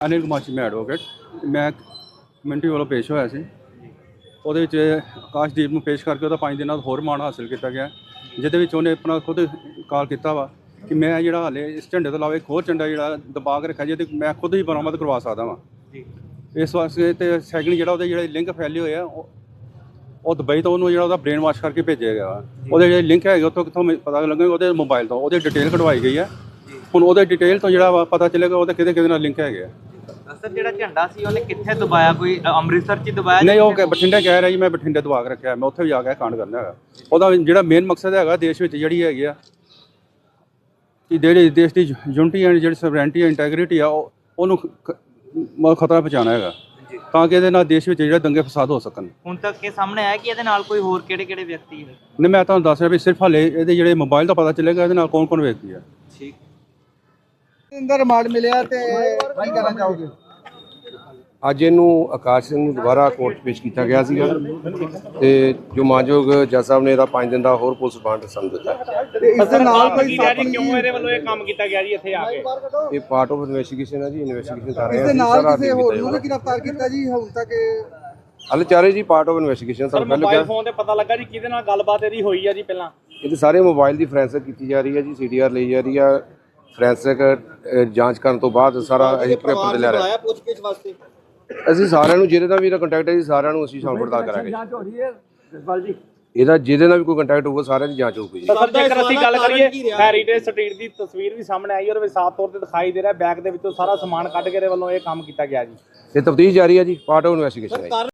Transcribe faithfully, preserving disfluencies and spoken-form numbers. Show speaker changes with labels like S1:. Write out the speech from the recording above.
S1: ਅਨਿਲ ਕੁਮਾਰ ਜੀ, ਮੈਂ ਐਡਵੋਕੇਟ। ਮੈਂ ਕਮਿਊਨਿਟੀ ਵੱਲੋਂ ਪੇਸ਼ ਹੋਇਆ ਸੀ। ਉਹਦੇ ਵਿੱਚ ਆਕਾਸ਼ਦੀਪ ਨੂੰ ਪੇਸ਼ ਕਰਕੇ ਉਹਦਾ ਪੰਜ ਦਿਨਾਂ ਦਾ ਹੋਰ ਰਿਮਾਂਡ ਹਾਸਿਲ ਕੀਤਾ ਗਿਆ, ਜਿਹਦੇ ਵਿੱਚ ਉਹਨੇ ਆਪਣਾ ਖੁਦ ਕਾਲ ਕੀਤਾ ਵਾ ਕਿ ਮੈਂ ਜਿਹੜਾ ਹਾਲੇ ਇਸ ਝੰਡੇ ਤੋਂ ਇਲਾਵਾ ਇੱਕ ਹੋਰ ਝੰਡਾ ਜਿਹੜਾ ਦਬਾ ਕੇ ਰੱਖਿਆ, ਜਿਹਦੇ ਮੈਂ ਖੁਦ ਹੀ ਬਰਾਮਦ ਕਰਵਾ ਸਕਦਾ ਵਾਂ। ਇਸ ਵਾਸਤੇ ਤੇ ਸੈਕਿੰਡ ਜਿਹੜਾ ਉਹਦੇ ਜਿਹੜੇ ਲਿੰਕ ਫੈਲੇ ਹੋਏ ਆ, ਉਹ ਦੁਬਈ ਤੋਂ ਉਹਨੂੰ ਜਿਹੜਾ ਉਹਦਾ ਬ੍ਰੇਨ ਵਾਸ਼ ਕਰਕੇ ਭੇਜਿਆ ਗਿਆ। ਉਹਦੇ ਜਿਹੜੇ ਲਿੰਕ ਹੈਗੇ ਉੱਥੋਂ ਕਿੱਥੋਂ ਪਤਾ ਲੱਗਣਗੇ, ਉਹਦੇ ਮੋਬਾਈਲ ਤੋਂ ਉਹਦੀ ਡਿਟੇਲ ਕਢਵਾਈ ਗਈ ਹੈ। ਹੁਣ ਉਹਦੇ ਡਿਟੇਲ ਤੋਂ ਜਿਹੜਾ ਵਾ ਪਤਾ ਚੱਲੇਗਾ ਉਹਦੇ ਕਿਹਦੇ ਕਿਹਦੇ ਨਾਲ ਲਿੰਕ ਹੈਗੇ ਆ।
S2: ਸਰ, ਜਿਹੜਾ ਝੰਡਾ ਸੀ ਉਹਨੇ ਕਿੱਥੇ ਦਬਾਇਆ? ਕੋਈ ਅੰਮ੍ਰਿਤਸਰ 'ਚ ਦਬਾਇਆ?
S1: ਨਹੀਂ, ਉਹ ਬਠਿੰਡੇ ਕਹਿ ਰਿਹਾ ਜੀ ਮੈਂ ਬਠਿੰਡੇ ਦਬਾ ਕੇ ਰੱਖਿਆ, ਮੈਂ ਉੱਥੇ ਵੀ ਜਾ ਕੇ ਕਾਂਡ ਕਰਨਾ ਹੈਗਾ। ਉਹਦਾ ਜਿਹੜਾ ਮੇਨ ਮਕਸਦ ਹੈਗਾ ਦੇਸ਼ ਵਿੱਚ ਜਿਹੜੀ ਹੈਗੀ ਆ ਕਿ ਜਿਹੜੇ ਦੇਸ਼ ਦੀ ਯੂਨਿਟੀ ਐਂਡ ਜਿਹੜੀ ਸਵਰੈਂਟੀ ਇੰਟੈਗ੍ਰਿਟੀ ਆ ਉਹ ਉਹਨੂੰ ਖਤਰਾ ਪਹੁੰਚਾਉਣਾ ਹੈਗਾ, ਤਾਂ ਕਿ ਇਹਦੇ ਨਾਲ ਦੇਸ਼ ਵਿੱਚ ਜਿਹੜੇ ਦੰਗੇ ਫਸਾਦ ਹੋ ਸਕਣ।
S2: ਹੁਣ ਤੱਕ ਇਹ ਸਾਹਮਣੇ ਆਇਆ ਕਿ ਇਹਦੇ ਨਾਲ ਕੋਈ ਹੋਰ ਕਿਹੜੇ ਕਿਹੜੇ ਵਿਅਕਤੀ ਹੈ?
S1: ਨਹੀਂ, ਮੈਂ ਤੁਹਾਨੂੰ ਦੱਸ ਰਿਹਾ ਵੀ ਸਿਰਫ ਹਾਲੇ ਇਹਦੇ ਜਿਹੜੇ ਮੋਬਾਈਲ ਦਾ ਪਤਾ ਚੱਲੇਗਾ ਇਹਦੇ ਨਾਲ ਕੌਣ ਕੌਣ ਵਿਅਕਤੀ ਹੈ।
S2: ਠੀਕ।
S3: ਅੰਦਰ ਰਿਮਾਂਡ ਮਿਲਿਆ ਤੇ ਕੀ ਕਹਿਣਾ ਚਾਹੋਗੇ?
S4: ਅੱਜ ਇਹਨੂੰ ਆਕਾਸ਼ ਸਿੰਘ ਨੂੰ ਦੁਬਾਰਾ ਕੋਰਟ 'ਚ ਪੇਸ਼ ਕੀਤਾ ਗਿਆ ਸੀਗਾ ਤੇ ਜੋ ਮਾਨਯੋਗ ਜੱਜ ਸਾਹਿਬ ਨੇ ਇਹਦਾ ਪੰਜ ਦਿਨ ਦਾ ਹੋਰ ਪੁਲਿਸ ਰਿਮਾਂਡ ਸਾਨੂੰ ਦਿੱਤਾ।
S3: ਤੇ ਇਸ ਦੇ ਨਾਲ ਕੋਈ
S5: ਕਿਉਂ ਇਹਦੇ ਵੱਲੋਂ ਇਹ ਕੰਮ ਕੀਤਾ ਗਿਆ ਜੀ ਇੱਥੇ ਆ ਕੇ?
S4: ਇਹ ਪਾਰਟ ਆਫ ਇਨਵੈਸਟੀਗੇਸ਼ਨ ਹੈ ਜੀ, ਇਨਵੈਸਟੀਗੇਸ਼ਨ ਕਰ ਰਹੇ
S3: ਇਸ
S4: ਹਾਂ।
S3: ਦੇ ਨਾਲ ਕਿਸੇ ਹੋਰ ਨੂੰ ਵੀ ਗ੍ਰਿਫਤਾਰ ਕੀਤਾ ਜੀ ਹੁਣ ਤੱਕ?
S4: ਹਾਲੇ ਚਾਰੇ ਜੀ ਪਾਰਟ ਆਫ ਇਨਵੈਸਟੀਗੇਸ਼ਨ
S5: ਸਰ,
S4: ਤੁਹਾਨੂੰ ਪਹਿਲਾਂ
S5: ਮੋਬਾਈਲ
S4: ਕਿਹਾ।
S5: ਫੋਨ ਤੇ ਪਤਾ ਲੱਗਾ ਜੀ ਕਿਹਦੇ ਨਾਲ ਗੱਲਬਾਤ ਇਹਦੀ ਹੋਈ ਆ ਜੀ ਪਹਿਲਾਂ?
S4: ਇਹਦੇ ਸਾਰੇ ਮੋਬਾਈਲ ਦੀ ਫੋਰੈਂਸਿਕ ਕੀਤੀ ਜਾ ਰਹੀ ਹੈ ਜੀ, ਸੀਡੀਆਰ ਲਈ ਜਾ ਰਹੀ ਆ। ਫੋਰੈਂਸਿਕ ਜਾਂਚ ਕਰਨ ਤੋਂ ਬਾਅਦ ਸਾਰਾ ਅਸੀਂ ਪੇਪਰ ਤੇ ਲੈ ਰਹੇ ਹਾਂ। ਅਸੀਂ ਸਾਰਿਆਂ ਨੂੰ ਜਿਹਦੇ ਨਾਲ ਵੀ ਇਹਦਾ ਕੰਟੈਕਟ ਹੈ ਜੀ, ਸਾਰਿਆਂ ਨੂੰ ਅਸੀਂ ਸ਼ਾਮ ਪੜਤਾਲ ਕਰਾਂਗੇ। ਇਹਦਾ ਜਿਹਦੇ ਨਾਲ ਵੀ ਕੋਈ ਕੰਟੈਕਟ ਹੋਊਗਾ ਸਾਰਿਆਂ ਦੀ ਜਾਂਚ ਹੋਊਗੀ ਜੀ।
S5: ਸਰ, ਜੇਕਰ ਅਸੀਂ ਗੱਲ ਕਰੀਏ ਹੈਰੀਟੇਜ ਸਟਰੀਟ ਦੀ ਤਸਵੀਰ ਵੀ ਸਾਹਮਣੇ ਆਈ, ਉਹਦੇ ਵਿੱਚ ਸਾਫ਼ ਤੌਰ ਤੇ ਦਿਖਾਈ ਦੇ ਰਿਹਾ ਬੈਗ ਦੇ ਵਿੱਚੋਂ ਸਾਰਾ ਸਮਾਨ ਕੱਢ ਕੇ ਇਹਦੇ ਵੱਲੋਂ ਇਹ ਕੰਮ ਕੀਤਾ ਗਿਆ ਜੀ।
S4: ਇਹ ਤਫਤੀਸ਼ ਜਾਰੀ ਹੈ ਜੀ, ਪਾਰਟ ਆਫ ਇਨਵੈਸਟੀਗੇਸ਼ਨ ਹੈ।